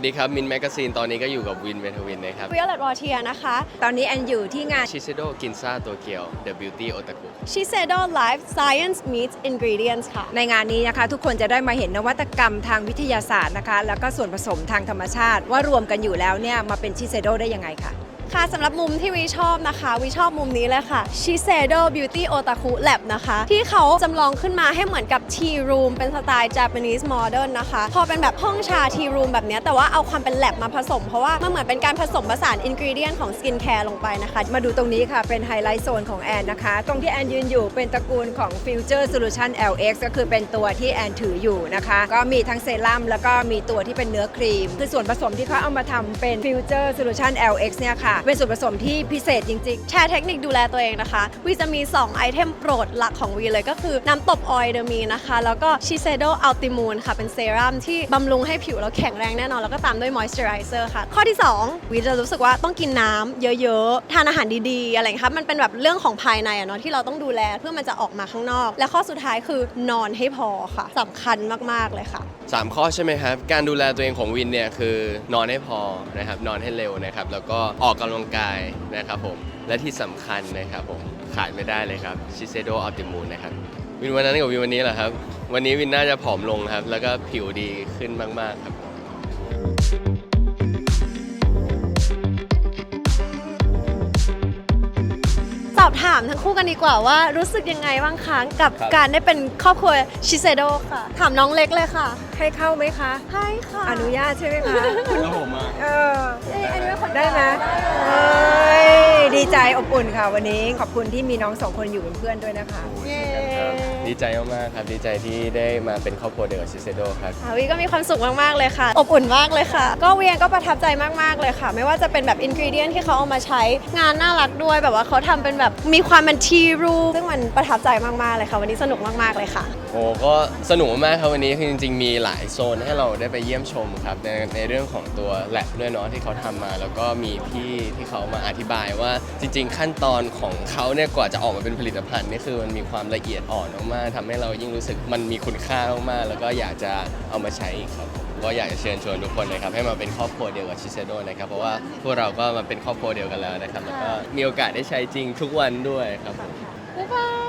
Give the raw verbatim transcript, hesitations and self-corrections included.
ดีครับมินแมกกาซีนตอนนี้ก็อยู่กับวินเวทวินนะครับวิโอเลตวอเทียนะคะตอนนี้แอนอยู่ที่งานชิเซโดกินซ่าโตเกียว The Beauty Otaku ชิเซโด Life Science Meets Ingredients ค่ะในงานนี้นะคะทุกคนจะได้มาเห็นนวัตกรรมทางวิทยาศาสตร์นะคะแล้วก็ส่วนผสมทางธรรมชาติว่ารวมกันอยู่แล้วเนี่ยมาเป็นชิเซโดได้ยังไงคะค่ะสำหรับมุมที่วีชอบนะคะวีชอบมุมนี้เลยค่ะ Shiseido Beauty Otaku Lab นะคะที่เขาจำลองขึ้นมาให้เหมือนกับ Tea Room เป็นสไตล์ Japanese Modern นะคะพอเป็นแบบห้องชา Tea Room แบบนี้แต่ว่าเอาความเป็น Lab มาผสมเพราะว่ามันเหมือนเป็นการผสมผสาน ingredient ของ Skincare ลงไปนะคะมาดูตรงนี้ค่ะเป็นไฮไลท์โซนของแอนนะคะตรงที่แอนยืนอยู่เป็นตระกูลของ Future Solution แอล เอ็กซ์ ก็คือเป็นตัวที่แอนถืออยู่นะคะก็มีทั้งเซรั่มแล้วก็มีตัวที่เป็นเนื้อครีมคือส่วนผสมที่เขาเอามาทำเป็น Future Solution แอล เอ็กซ์ เนี่ยค่ะเป็นส่วนผสมที่พิเศษจริงๆแชร์เทคนิคดูแลตัวเองนะคะวีจะมีสองไอเทมโปรดหลักของวีเลยก็คือน้ำตบออยล์เดอร์มีนะคะแล้วก็ Shiseido Ultimune ค่ะเป็นเซรั่มที่บำรุงให้ผิวเราแข็งแรงแน่นอนแล้วก็ตามด้วย Moisturizer ค่ะข้อที่สองวีจะรู้สึกว่าต้องกินน้ำเยอะๆทานอาหารดีๆอะไรอย่างเงี้ยค่ะมันเป็นแบบเรื่องของภายในอะเนาะที่เราต้องดูแลเพื่อมันจะออกมาข้างนอกและข้อสุดท้ายคือนอนให้พอค่ะสำคัญมากๆเลยค่ะสามข้อใช่ไหมครับการดูแลตัวเองของวินเนี่ยคือนอนให้พอนะครับนอนให้เร็วนะครับแล้วก็ออกกำลังกายนะครับผมและที่สำคัญนะครับผมขาดไม่ได้เลยครับ Shiseido Ultimune นะครับวินวันนั้นกับวินวันนี้เหรอครับวันนี้วินน่าจะผอมลงครับแล้วก็ผิวดีขึ้นมากๆครับสอบถามทั้งคู่กันดีกว่าว่ารู้สึกยังไงบ้างคะกับการได้เป็นครอบครัว Shiseido ค่ะถามน้องเล็กเลยค่ะให้เข้าไหมคะให้ค่ะอนุญาตใช่ไหมคะแล้วผมอ่ะเอออันนี้เป็นคนได้ไหมเอ้ยดีใจอบอุ่นค่ะวันนี้ขอบคุณที่มีน้องสองคนอยู่เป็นเพื่อนด้วยนะคะดีใจมากๆครับดีใจที่ได้มาเป็นครอบครัวเดียวกับ Shiseido ครับวีก็มีความสุขมากๆเลยค่ะอบอุ่นมากเลยค่ะก็เวียก็ประทับใจมากๆเลยค่ะไม่ว่าจะเป็นแบบอินกรีเดียนที่เขาเอามาใช้งานน่ารักด้วยแบบว่าเขาทำเป็นแบบมีความเป็นทีรูซึ่งมันประทับใจมากๆเลยค่ะวันนี้สนุกมากๆเลยค่ะโอ้ก็สนุกมากครับวันนี้คือจริงๆมีหลายโซนให้เราได้ไปเยี่ยมชมครับในในเรื่องของตัวแลบด้วยเนาะที่เขาทำมาแล้วก็มีพี่ที่เขามาอธิบายว่าจริงๆขั้นตอนของเขาเนี่ยกว่าจะออกมาเป็นผลิตภัณฑ์นี่คือมันมีความละเอียดอ่อนมากๆทำให้เรายิ่งรู้สึกมันมีคุณค่ามากๆแล้วก็อยากจะเอามาใช้ครับก็อยากจะเชิญชวนทุกคนนะครับให้มาเป็นครอบครัวเดียวกับ Shiseido นะครับเพราะว่าพวกเราก็มาเป็นครอบครัวเดียวกันแล้วนะครับแล้วก็มีโอกาสได้ใช้จริงทุกวันด้วยครับบ๊ายบาย